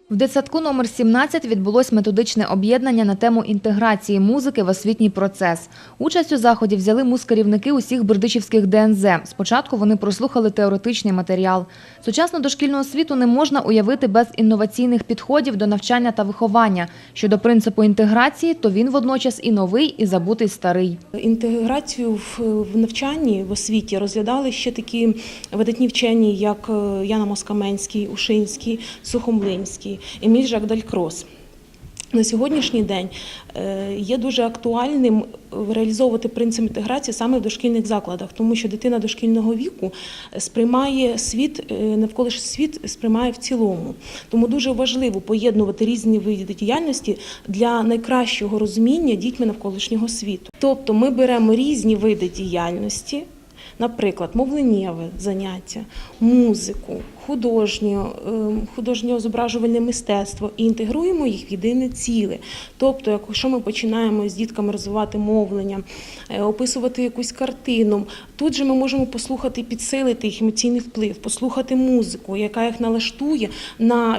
В дитсадку номер 17 відбулось методичне об'єднання на тему інтеграції музики в освітній процес. Участь у заході взяли музкерівники усіх бердичівських ДНЗ. Спочатку вони прослухали теоретичний матеріал. Сучасну дошкільну освіту не можна уявити без інноваційних підходів до навчання та виховання. Щодо принципу інтеграції, то він водночас і новий, і забутий старий. Інтеграцію в навчанні, в освіті розглядали ще такі видатні вчені, як Яна Москаменський, Ушинський, Сухомлинський, Еміль Жак Далькрос. На сьогоднішній день є дуже актуальним реалізовувати принцип інтеграції саме в дошкільних закладах, тому що дитина дошкільного віку сприймає світ, навколишній світ сприймає в цілому. Тому дуже важливо поєднувати різні види діяльності для найкращого розуміння дітьми навколишнього світу. Тобто ми беремо різні види діяльності, наприклад, мовленнєве заняття, музику, художнє зображувальне мистецтво і інтегруємо їх в єдине ціле. Тобто, якщо ми починаємо з дітками розвивати мовлення, описувати якусь картину, тут же ми можемо послухати, підсилити їх емоційний вплив, послухати музику, яка їх налаштує на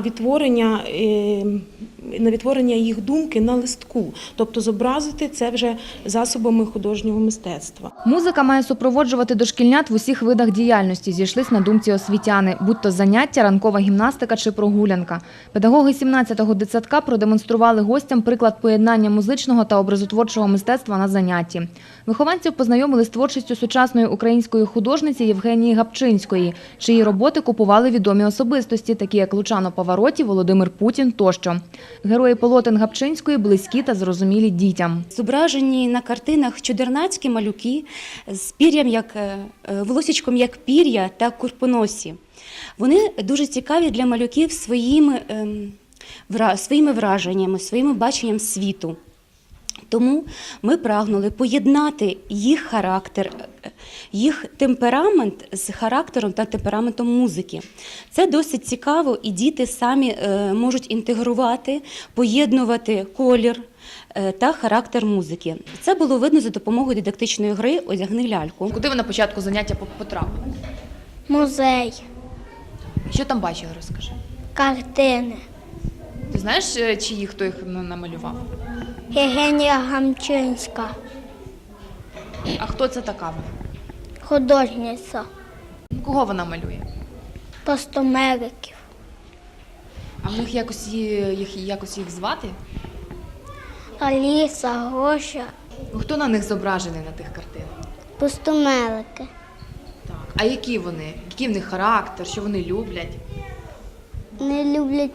відтворення їх думки на листку. Тобто зобразити це вже засобами художнього мистецтва. Музика має супроводжувати дошкільнят в усіх видах діяльності, зійшлись на думці освітяни, будь-то заняття, ранкова гімнастика чи прогулянка. Педагоги 17-го дитсадка продемонстрували гостям приклад поєднання музичного та образотворчого мистецтва на занятті. Вихованців познайомили з творчістю сучасної української художниці Євгенії Гапчинської, чиї роботи купували відомі особистості, такі як Лучано Павароті, Володимир Путін тощо. Герої полотен Гапчинської близькі та зрозумілі дітям. Зображені на картинах чудернацькі малюки з пір'ям, волосічком як пір'я та курпоносі. Вони дуже цікаві для малюків своїми враженнями, своїм баченням світу. Тому ми прагнули поєднати їх характер, їх темперамент з характером та темпераментом музики. Це досить цікаво, і діти самі можуть інтегрувати, поєднувати колір та характер музики. Це було видно за допомогою дидактичної гри «Одягни ляльку». Куди ви на початку заняття потрапили? Музей, Що там бачили, розкажи. картини. Ти знаєш, хто їх намалював? Євгенія Гапчинська, А хто це така? художниця, Кого вона малює? постомериків, А в них якось їх звати? Аліса, Гоша, Хто на них зображений на тих картинах? постомерики. Так. А які вони? Який в них характер? Що вони люблять? Не люблять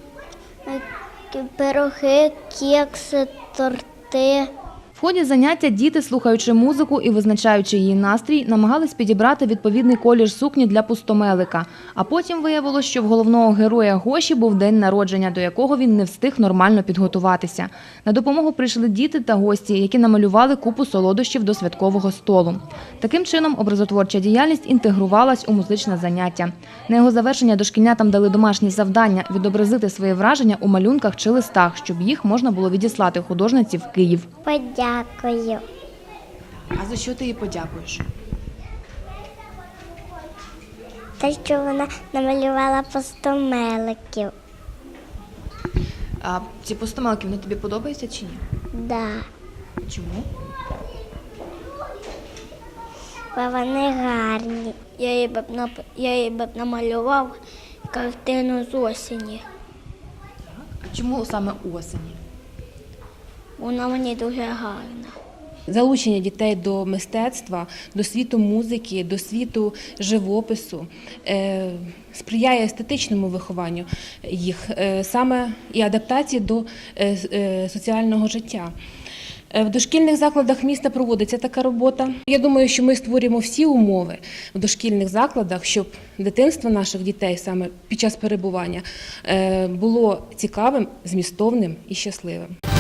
пироги, кекси, торти. В ході заняття діти, слухаючи музику і визначаючи її настрій, намагались підібрати відповідний колір сукні для пустомелика. А потім виявилось, що в головного героя Гоші був день народження, до якого він не встиг нормально підготуватися. На допомогу прийшли діти та гості, які намалювали купу солодощів до святкового столу. Таким чином, образотворча діяльність інтегрувалась у музичне заняття. На його завершення дошкільнятам дали домашні завдання – відобразити свої враження у малюнках чи листах, щоб їх можна було відіслати художниці в Київ. Подякую. А за що ти їй подякуєш? Те, що вона намалювала постомеликів. А ці пустомелки, вони тобі подобаються чи ні? Да. Чому? Бо вони гарні. Я їй б намалював картину з осені. А чому саме осені? Вона мені дуже гарна. Залучення дітей до мистецтва, до світу музики, до світу живопису сприяє естетичному вихованню їх, саме і адаптації до соціального життя. В дошкільних закладах міста проводиться така робота. Я думаю, що ми створюємо всі умови в дошкільних закладах, щоб дитинство наших дітей саме під час перебування було цікавим, змістовним і щасливим.